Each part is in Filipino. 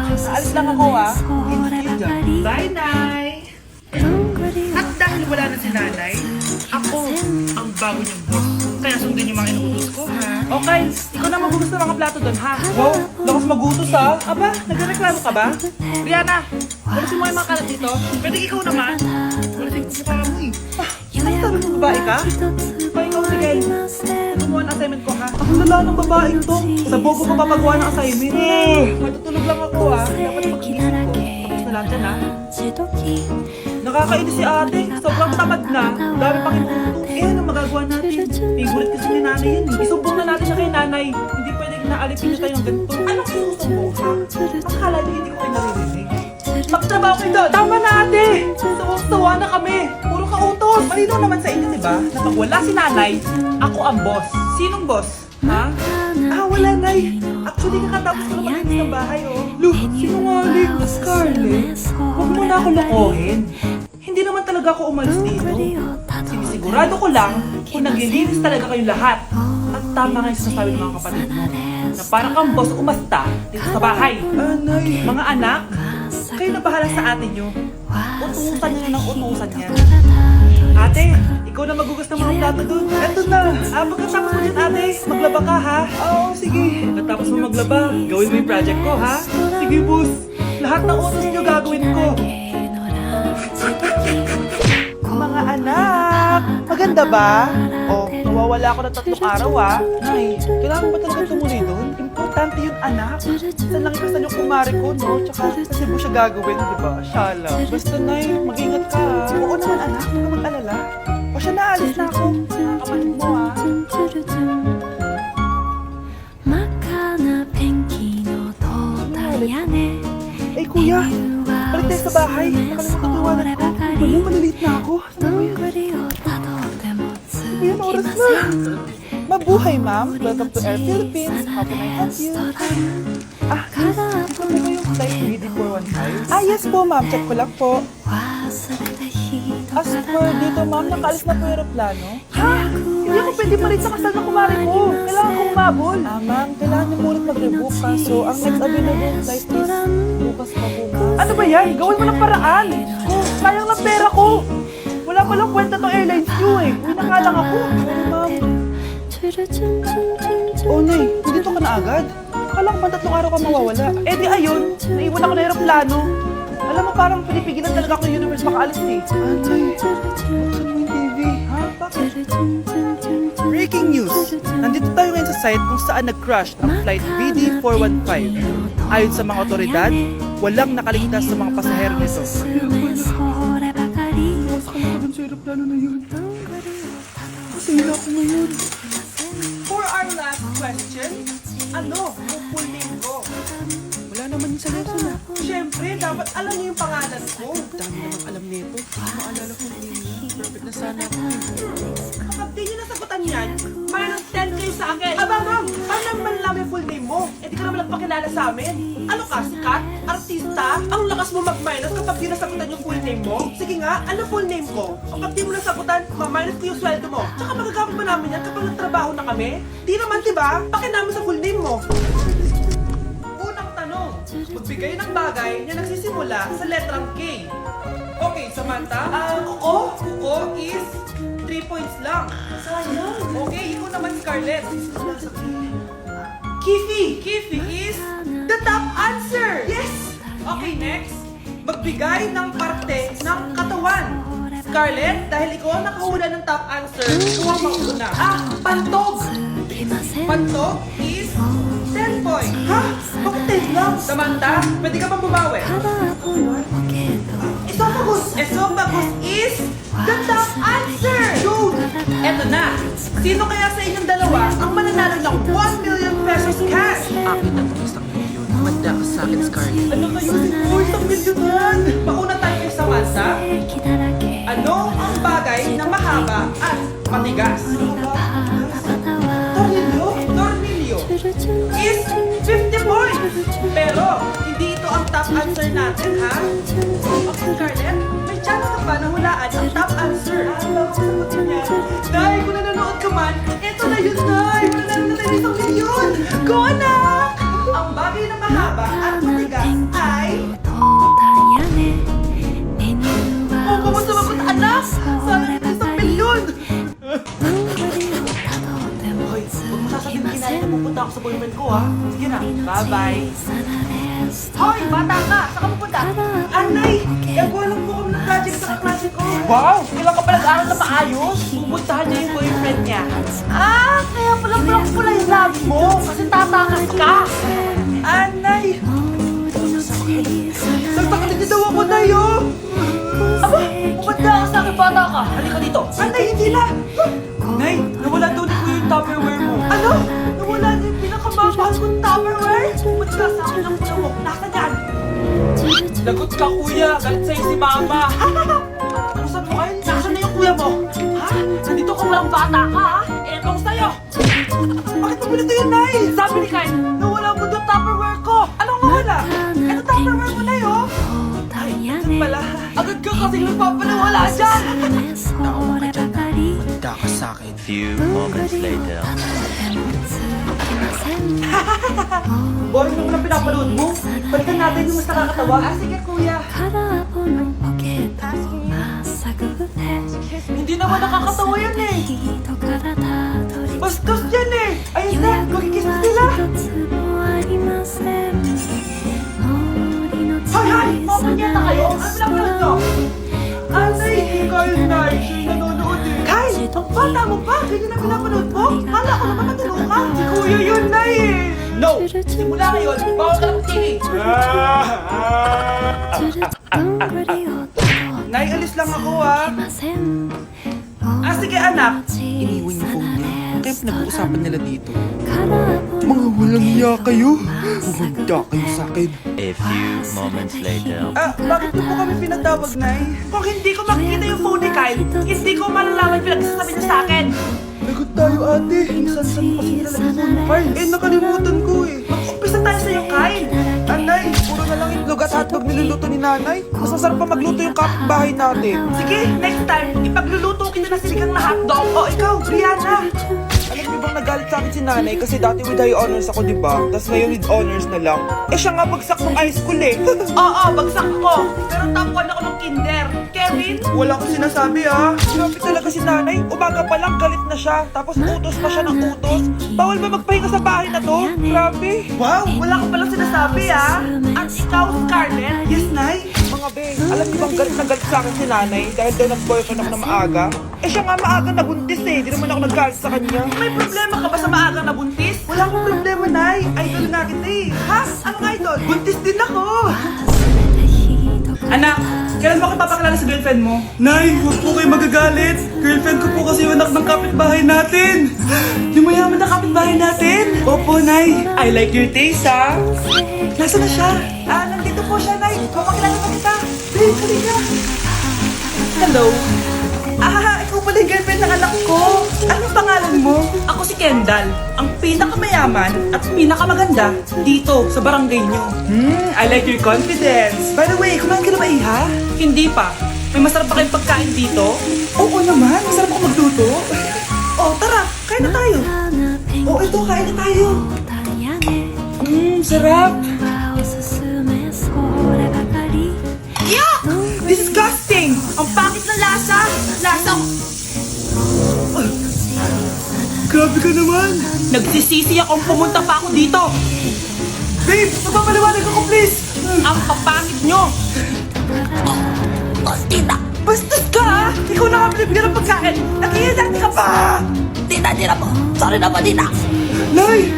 Aalis lang ako Bye, Nay! At dahil wala na si Nanay, ako ang bago niyang boss. Kaya sundin niyo mga inuutos ko, ha? Okay, ikaw na magutos ng mga plato doon, ha? Wow, lakas magutos, ha? Aba, nagreklamo ka ba? Rihanna, walasin mo yung mga kalat dito. Pwede ikaw naman. Walasin ko mukha mo, eh. Ano sabi mo, babae ka? Pa ikaw, Miguel. Gumawa ng assignment ko, ha? Ako lala ng babaeng to. Sa bobo ko papagawa ng assignment. Matutulog lang ako, ha? Dapat pag-iisip ko. Tapos na lang dyan, ha? Nakakainis si ate. Sobrang tamad na. Dami pang inuutos. Eh, ano magagawa natin? Favorite kasi ni nanay yan. Isumbong na natin siya kay nanay. Hindi pwedeng naalipin niyo tayo ng ganito. Anong sinusumbong, ha? Akala niyo hindi ko kayo naririnig. Magtrabaho kayo doon! Tama na ate! Sawa na kami! Puro kautos! Malinaw naman sa inyo, diba? Na pag wala si nanay, ako ang boss. Sinong boss? Ha? Wala, nay. Actually, kakatapos ko na malinis ng bahay, oh. Look, sinungaling. Scarlett, huwag mo na ako lokohin. Hindi naman talaga ako umalis dito. Sinisigurado ko lang kung naglilinis talaga kayo lahat. At tama nga yung sinasabi ng mga kapatid mo. Na parang kang boss umasta dito sa bahay. Nay. Mga anak, kayo na bahala sa ate nyo. Utusan nyo na ng utusan niya. Ate, ikaw na magugas ng mga plato doon. Eto na. Pagkatapos mo din, ate, maglaba ka, ha? Oo, sige. Pagkatapos mo maglaba, gawin mo yung project ko, ha? Sige, boss. Lahat ng utos nyo gagawin ko. Mga anak, maganda ba? Nawawala ako ng 3 araw, ha? Nay, kailangan ba talaga tumuloy doon? Importante yun, anak. Saan lang ikasan yung kumari ko, no? Tsaka kasi mo siya gagawin, di ba? Shala. Basta, Nay, mag-ingat ka, ha? Oo naman, anak. Huwag ka mag-alala. O siya, naalis na ako. Kapatid mo, ha? Eh, kuya, balik tayo sa bahay. Nakalimutan ko iwanan ko. Wala, maliliit na ako. Ayan, oras na. Mabuhay, ma'am. Welcome to Air Philippines. How can I help you? Miss, ito po ba yung flight BD415? Yes po, ma'am. Check ko lang po. As for dito, ma'am, nakaalis na po yung aeroplano. Ha? Hindi ako pwede pa rin sa kasal na kumari ko. Kailangan kong umabol. Ma'am, kailangan niyo muna mag-rebook ka. So, ang next available flight is bukas pa po, ma'am. Ano ba yan? Gawin mo ng paraan. Sayang lang pera ko. Wala palang kwenta tong airlines nyo, eh. Uwi na nga lang ako. Ma'am. Nay, dito ka na agad. Akala ko pa 3 araw ka mawawala. Eh di ayun, naiwan ako na aeroplano. Alam mo, parang pinipigilan talaga ako yung universe makaalis, eh. Nay, buksan mo yung TV. Ha? Bakit? Breaking news! Nandito tayo ngayon sa site kung saan nag-crash ang flight BD415. Ayon sa mga otoridad, walang nakaligtas sa mga pasahero nito. Sa aeroplano na yun. Masaya na ako ngayon. For our last question, ano ang full name ko? Wala naman yung sa lesson, ha? Siyempre, dapat alam niyo yung pangalan ko. Dami namang alam nito. Maalala ko yung name niya. Perfect na sana ako. Kapag di niyo nasagutan yan, minus 10 kayo sa akin. Ma'am, paano naman lang yung full name mo? Eh, di ka naman nagpakilala sa amin. Ano ka, sikat? Artista? Ang lakas mo mag-minus kapag di nasagutan yung full name mo? Sige nga, ano full name ko? Kapag di mo nasagutan, ma-minus ko yung sweldo mo. Tsaka magagamit ba namin yan kapag nagtrabaho na kami? Di naman, diba? Bakit namin sa full name mo? Unang tanong, magbigay ng bagay na nagsisimula sa letrang K. Okay, Samantha, kuko is 3 points lang. Sayang. Okay, ikaw naman, Scarlett. Kifi is the top answer. Yes! Okay, next. Magbigay ng parte ng katawan. Scarlett, dahil ikaw ang nakahula ng top answer, ikaw ang mauna. Pantog. Pantog is 10 points. Ha? Bakit 10 lang? Samantha, pwede ka pang bumawi. Esophagus is the top answer. Dude! Eto na. Sino kaya sa inyong dalawa ang mananalo ng 1 million pesos cash? Akin ang 1,000,000. Manda ka sa akin, Scarlett. Ano kayo? Isang milyonan! Mauna tayo kay Samantha. Ano ang bagay na mahaba at matigas? Tornilyo is 50 points! Pero, hindi ito ang top answer natin, ha? Okay, Scarlett, may chance ka pa na hulaan ang top answer. Sagutin niya. Nay, kung nanonood ka man, eto na yun, Nay! Mananalo na tayo ng 1 milyon! Go, anak! Ang bagay na mahaba at matigas ay boyfriend ko ha. Sige na, bye-bye. Hoy, bata ka! Saan ka pupunta? Anay! Gagawa lang po kami ng project sa kaklase ko. Wow! Kailan ka pa nag-aaral na maayos? Pupuntahan niya yung boyfriend niya. Ah! Kaya pala pula yung labi mo. Kasi tatakas ka. Anay! Nagpakatid daw ako, Nay, oh! Aba! Pupunta ka sa akin, bata ka! Halika dito! Anay, hindi na! Nay, nawala daw ni Kuya yung Tupperware mo. Ano? Nawala niya yung pinakamamahal kong Tupperware? Pumunta sa akin ang puno mo. Nasaan yan? Lagot ka, Kuya. Galit sa'yo si Mama. Ano saan mo kayo? Nasaan na yung Kuya mo? Ha? Nandito ka walang bata ka, ha? Etong sa'yo. Bakit mo pinito yun, Nay? Sabi ni Kyle, nawala mo yung Tupperware ko. Anong nawala? Ito Tupperware mo na yun. Ay, ito pala. Agad ka kasing nagpapalawala dyan. Manda ka sa akin. Few moments later. Boring naman ang pinapanood mo. Balikan natin yung mas nakakatawa. Ah, sige, Kuya. Hindi naman nakakatawa yan eh. Bastos yan eh. Ayun na, magkikis na sila. Hoy! Open yata kayo. Ano pinapanood nyo? Anay, Kyle, Nay. Siya'y nanonood eh. Kyle, ang bata mo pa. Ganyan na pinapanood mo. Kala ko naman matulog ka. Si Kuya yun, Nay eh. No! Simula ngayon, bawal ka ng TV. Nay, alis lang ako ah. Ah, sige anak. Iniwan yung phone niya. Kaya pinag-uusapan nila dito. Mga walang iya kayo. Humanda kayo sa akin. A few moments later. Ah, bakit niyo po kami pinatawag, Nay? Kung hindi ko makikita yung phone ni Kyle, hindi ko malalaman pinagsasabi niya sa akin. Lagot tayo, ate. Minsan-san mo kasi nilalagay yung phone mo, Kyle. Eh, nakalimutan ko eh. Mag-umpisa tayo sa'yo, Kyle. Anay, puro na lang itlog at hotdog niluluto ni nanay. Mas masarap pa magluto yung kapitbahay natin. Sige, next time, ipagluluto kita na siligang na hotdog. O ikaw, Brianna. Alam niyo bang nagalit sa akin si nanay kasi dati with high honors ako, di ba? Tapos ngayon with honors na lang. Eh siya nga bagsak nung high school eh. Oo, bagsak ako. Pero top 1 ako ng kinder. Kevin? Wala akong sinasabi ah. Grabe talaga si nanay. Umaga pa lang galit na siya. Tapos utos pa siya ng utos. Bawal ba magpahinga sa bahay na to? Grabe. Wow, wala ka palang sinasabi ah. At ikaw, Scarlett? Yes, Nay. Mga be, alam niyo bang galit na galit sa akin si nanay dahil daw nag-boyfriend ako na maaga? Eh siya nga maaga nabuntis eh. Di naman ako naggalit sa kanya. May problema ka ba sa maaga nabuntis? Wala akong problema, Nay. Idol nga kita eh. Ha? Anong idol? Buntis din ako. Anak, kailan mo ako papakilala sa girlfriend mo? Nay, huwag po kayo magagalit. Girlfriend ko po kasi yung anak ng kapitbahay natin. Yung mayaman na kapitbahay natin. Opo, Nay. I like your taste, ha? Nasaan na siya? Ah, nandito po siya, Nay. Papakilala pa kita. Babe, halika. Hello. Ah, ikaw pala yung girlfriend ng anak ko. Anong pangalan mo? Ako si Kendall, ang pinakamayaman at pinakamaganda dito sa barangay nyo. I like your confidence. By the way, kumain ka na ba, Iha? Hindi pa. May masarap pa kayong pagkain dito? Oo naman, masarap ako magluto. Oh, tara, kain na tayo. Oh, ito, kain na tayo. Sarap. Yuck! Disgusting! Ang pangit ng lasa! Lasang... Grabe ka naman! Nagsisisi akong pumunta pa ako dito! Babe! Magpapaliwanag ako, please! Ang papangit nyo! Tita! Bastos ka, ha? Ikaw na nga binibigyan ng pagkain! Nag-iinarte ka pa! Tita, tira po! Sorry na po, tita! Nay!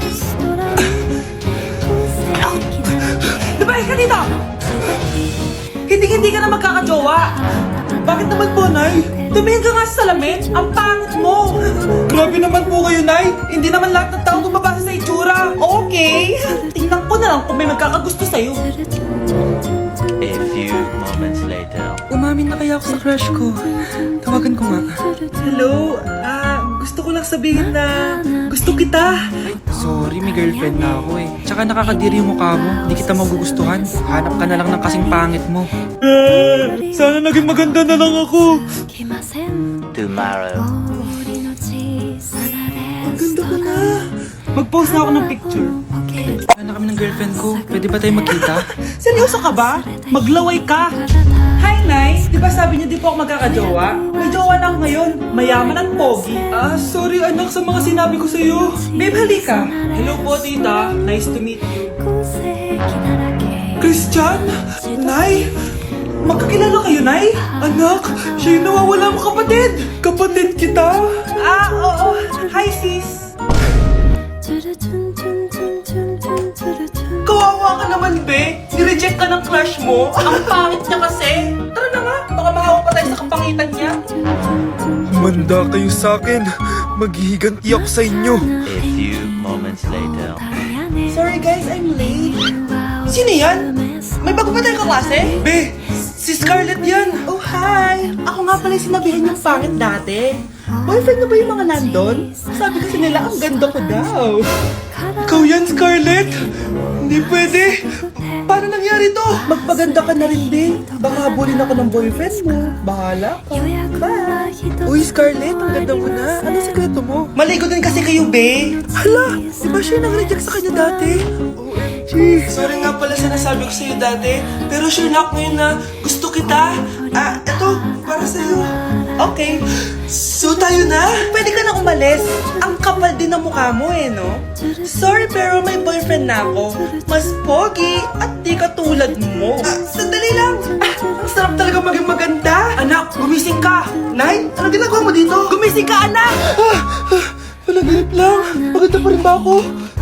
Lumayan ka dito! Hindi ka na magkakajowa. Bakit naman po, Nay? Tumingin ka nga sa salamin. Ang pangit mo. Grabe naman po kayo, Nay. Hindi naman lahat ng tao tumabasa sa itsura. Okay. Tingnan ko na lang kung may magkakagusto sa'yo. A few moments later. Umamin na kaya ako sa crush ko. Tawagan ko nga. Hello? Gusto ko lang sabihin na gusto kita. Sorry, may girlfriend na ako eh. Tsaka nakakadiri yung mukha mo. Hindi kita magugustuhan. Hanap ka na lang ng kasing pangit mo. Sana naging maganda na lang ako. Tomorrow. Ang ganda ko na. Mag-post na ako ng picture. Wala na kami ng girlfriend ko. Pwede ba tayo magkita? Seryoso ka ba? Maglaway ka. Hi, Nay! Di ba sabi niyo di po ako magkakajowa? May jowa na ako ngayon. Mayaman at pogi. Sorry anak sa mga sinabi ko sa'yo. Babe, halika. Hello po, tita. Nice to meet you. Christian? Nay? Magkakilala kayo, Nay? Anak, siya yung nawawala mong kapatid. Kapatid kita? Oo. Hi, sis. Kawawa ka naman, be. Nireject ka ng crush mo. Ang pangit niya kasi. Tara na nga, baka mahawa pa tayo sa kapangitan niya. Humanda kayo sa akin. Maghihiganti ako sa inyo. A few moments later. Sorry guys, I'm late. Sino yan? May bago pa tayong kaklase? Be, si Scarlett yan. Oh, hi! Ako nga pala yung sinabihan yung pangit dati. Boyfriend na ba yung mga nandun? Sabi kasi nila, ang ganda ko daw. Ikaw yan, Scarlett. Hindi pwede. Paano nangyari to? Magpaganda ka na rin din. Baka habulin ako ng boyfriend mo. Bahala ka. Bye! Uy, Scarlett, ang ganda mo na. Ano sekreto mo? Maligo din kasi kayo, be. Hala, di ba siya nang-reject sa kanya dati? OMG. Sorry nga pala sa nasabi ko sa'yo dati. Pero sure na ako ngayon na gusto kita. Eto, para sa'yo. Okay. So tayo na? Pwede ka na umalis. Ang kapal din ng mukha mo no? Sorry pero may boyfriend na ako. Mas pogi at di katulad mo. Sandali lang. Ang sarap talaga maging maganda. Anak, gumising ka. Nay, ano ginagawa mo dito? Gumising ka, anak! Palaginip lang. Maganda pa rin ba ako?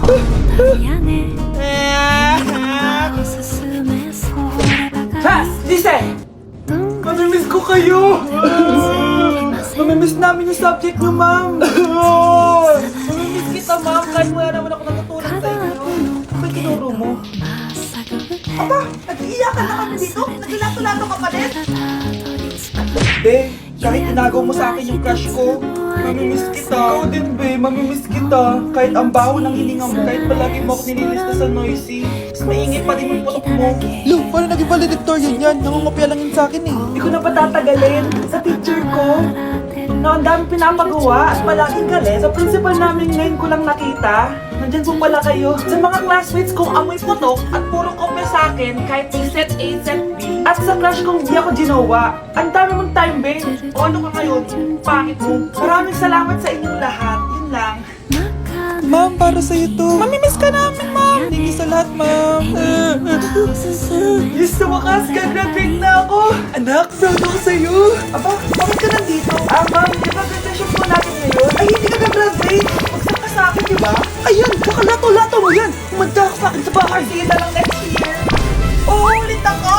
Has! Listen! Mamimiss ko kayo. Mamimiss namin yung subject nyo, ma'am. Mamimiss kita, ma'am. Kahit wala naman ako natutunan sa inyo. Ano tinuro mo? Aba, nag-iiyakan na kami dito. Naglato-lato ka pa din. Be, kahit tinagaw mo sa akin yung crush ko, mamimiss kita. Ikaw din, be. Mamimiss kita. Kahit ang baho ng hininga mo, kahit palagi mo ako nililista sa noisy, mas maingay pa din yung putok mo. Lo, paano naging valedictorian yan? Nangungopia lang yun sa akin eh. Hindi ko na patatagalin. Sa teacher ko, na ang dami pinapagawa at palaging galit. Sa principal namin ngayon ko lang nakita. Nandyan po pala kayo. Sa mga classmates kong amoy putok at puro kopya sa akin kahit may set A, set B. At sa crush kong di ako ginawa. Ang dami mong time, babe. O ano ka ngayon? Pangit mo. Maraming salamat sa inyong lahat. Yun lang. Ma'am, para sa'yo to. Mamimiss ka namin, ma'am. Thank you sa lahat, ma'am. Yes, sa wakas, gagraduate na ako. Anak, proud ako sa'yo. Aba, bakit ka nandito? Ma'am, di ba graduation po natin ngayon? Ay, hindi ka na-graduate. Magsak ka sa akin, di ba? Ayan, kakalato-lato mo yan. Umanda ka sa akin sa bahay. Sige na lang next year. Oo, ulit ako.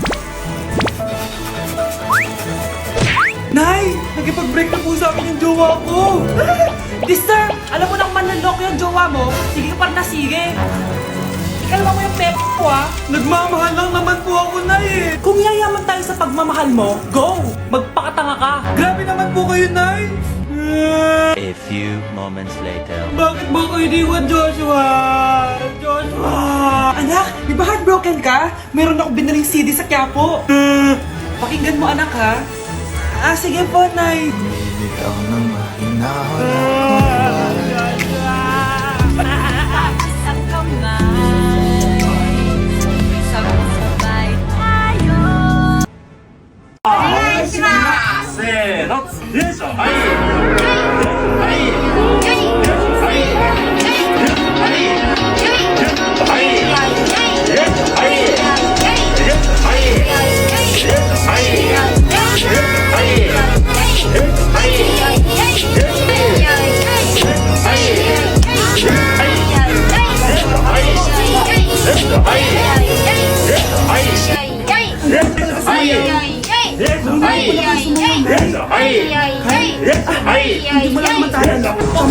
Nay, nakipag-break na po sa akin yung jowa ko. Mister, alam mo nang manloloko yung jowa mo. Sige ka pa na sige. Ikalma mo yung pep ko, Nagmamahal lang naman po ako, Nay eh. Kung yayaman tayo sa pagmamahal mo, go! Magpakatanga ka. Grabe naman po kayo, Nay. A few moments later. Bakit mo ko iniwan, Joshua? Joshua! Anak, di ba heartbroken ka? Meron akong binaling CD sa Quiapo. Pakinggan mo, anak, ha? Sige po, Nay. Ikaw na mahinahon Ang kamay, sabay tayo. Hindi mo lang naman tayo alam.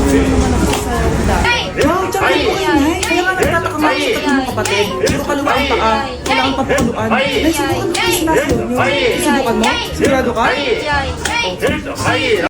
Wow, tsaka po kayo, Nay. Kaya nga nagtataka mga sa tatlong kapatid. Puro kaluan pa ka. Kailangan pa paluan. Nay, subukan mo yung sinasayaw nyo. Subukan mo? Sigurado ka?